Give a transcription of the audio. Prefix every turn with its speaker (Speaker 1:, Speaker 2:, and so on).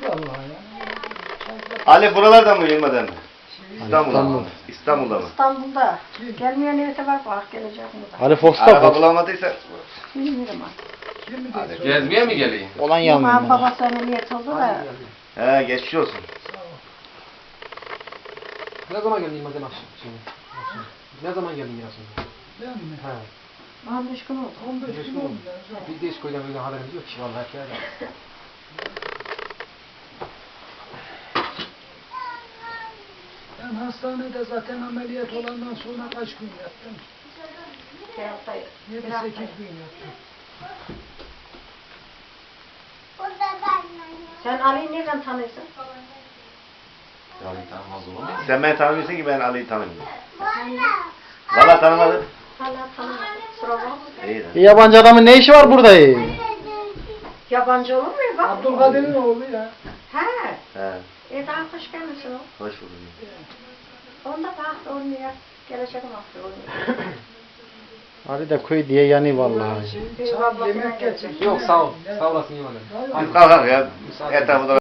Speaker 1: vallahi ya.
Speaker 2: Ali buralardan mı Yılmadan mı? İstanbul'da mı? İstanbul'da mı?
Speaker 3: İstanbul'da. Gelmeyen neyse var bak gelecek mi da.
Speaker 4: Ali Fox'ta
Speaker 2: Araba
Speaker 4: Fox.
Speaker 2: bulamadıysa
Speaker 3: Bilmiyorum artık.
Speaker 2: hadi.
Speaker 5: Gezmeye mi geleyim?
Speaker 4: Olan
Speaker 3: Babam
Speaker 4: yanmıyor.
Speaker 3: babası ameliyat oldu da.
Speaker 2: He geçmiş olsun.
Speaker 6: Ne zaman geldin Yılmaz akşam? Ne zaman geldin ya şimdi?
Speaker 1: Ben mi?
Speaker 6: He.
Speaker 3: 15 gün oldu.
Speaker 1: 15 gün oldu.
Speaker 6: Biz de hiç koydan böyle haberimiz yok ki vallahi ki.
Speaker 1: Ben hastanede zaten ameliyat olandan sonra kaç gün yattım? 7-8 gün yattım.
Speaker 3: Sen Ali'yi nereden tanıyorsun?
Speaker 5: Yani tanımaz olur mu?
Speaker 2: Sen beni tanımıyorsun ki ben Ali'yi tanımıyorum. Valla tanımadım.
Speaker 3: Hala tanımadım. Sıra var mı?
Speaker 2: İyi de.
Speaker 4: Yabancı adamın ne işi var burada?
Speaker 3: Yabancı olur mu ya? Bak.
Speaker 1: Abdülkadir'in oğlu ya.
Speaker 3: He.
Speaker 2: He.
Speaker 3: Daha hoş gelmişsin o.
Speaker 2: Hoş bulduk.
Speaker 3: Onda bak oynuyor. Gelecek mahsul oynuyor.
Speaker 4: Ali de köy diye yani vallahi.
Speaker 1: Çay, yemek getir.
Speaker 6: Yok sağ ol. Sağ olasın Yılmaz.
Speaker 2: Kalk kalk ya. Etrafında